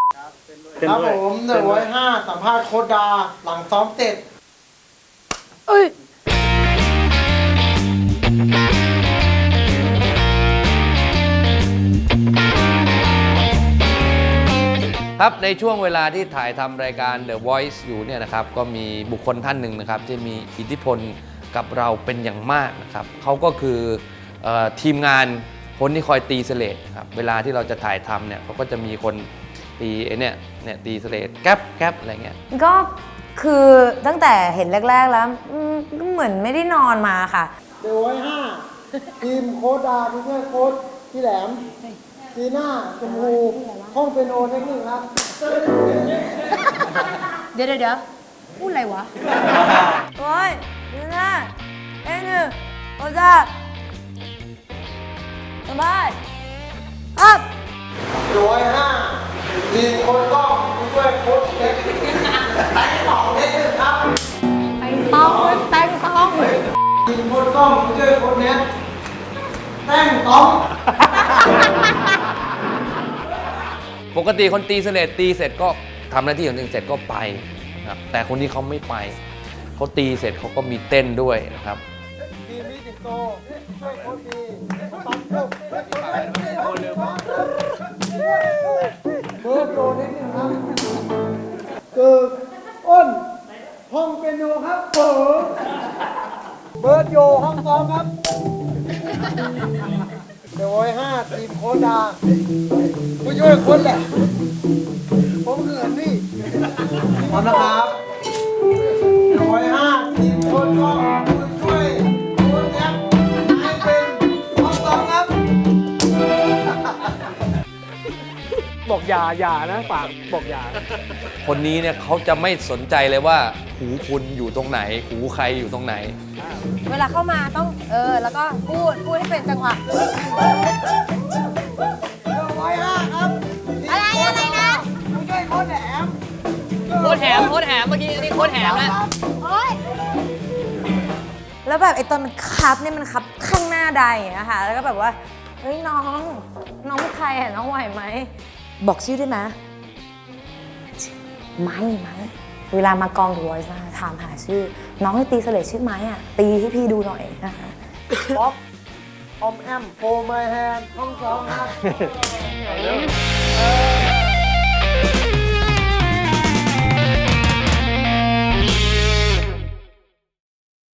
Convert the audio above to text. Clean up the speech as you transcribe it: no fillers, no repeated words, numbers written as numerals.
ครับผม105สัมภาษณ์โค้ชดาหลังซ้อมเสร็จครับในช่วงเวลาที่ถ่ายทำรายการ The Voice อยู่เนี่ยนะครับก็มีบุคคลท่านหนึ่งนะครับที่มีอิทธิพลกับเราเป็นอย่างมากนะครับเขาก็คือทีมงานคนที่คอยตีเสลดครับเวลาที่เราจะถ่ายทำเนี่ยเขาก็จะมีคนตีเนี่ยตีเสลดแก๊บอะไรเงี้ยก็คือตั้งแต่เห็นแรกๆแล้วก็เหมือนไม่ได้นอนมาค่ะ 105ทีมโค้ชดาผู้ช่วยโค้ชพี่แหลมจีน่าชมพูห้องเปียโนเทคนิคครับเดี๋ยวพูดอะไรวะโอ้ยจีน่าเอ็งโอ้จ้าสบายครับ 105ทีมโค้ชกล้องผู้ช่วยโค้ชเทคนิคแต่งต่อเทคนิคครับแต่งต้องทีมโค้ชกล้องผู้ช่วยโค้ชเน็ตแต่งต้องปกติคนตีเสลดตีเสร็จก็ทำหน้าที่ของตัวเองเสร็จก็ไปนะครับแต่คนนี้เขาไม่ไปเขาตีเสร็จเขาก็มีเต้นด้วยนะครับทีมนี้สิงโตช่วยโค้ชดีตั้งจุกเบอร์โตนิดนึงครับคืออ้นห้องเปียโนครับเบิร์ดโยห้องซ้อมครับ105ทีมโค้ชดาผู้ช่วยโค้ชแหละผมเขินนี่พร้อมนะครับ105ทีมโค้ชก็ผู้ช่วยโค้ชแอปให้เป็นห้องซ้อมครับบอกอย่านะฝากบอกอย่าคนนี้เนี่ยเขาจะไม่สนใจเลยว่าหูคุณอยู่ตรงไหนหูใครอยู่ตรงไหนเวลาเข้ามาต้องแล้วก็พูดให้เป็นจังหวะ 105ครับอะไรนะผู้ช่วยโค้ชแหลมโคตรแหมเมื่อกี้นี่โคตรแหมนะโอ๊ยแล้วแบบไอ้ตอนมันคับเนี่ยมันคับข้างหน้าใดอย่างเงี้ยค่ะแล้วก็แบบว่าเฮ้ยน้องเป็นใครอ่ะน้องไหวไหมบอกชื่อได้ไหมไม้เวลามากอง The Voice นะคะถามหาชื่อน้องให้ตีเสลดชื่อไม้อ่ะตีให้พี่ดูหน่อยนะคะป๊อปออมแอมโฟร์ไมแฮนห้องซ้อมครับ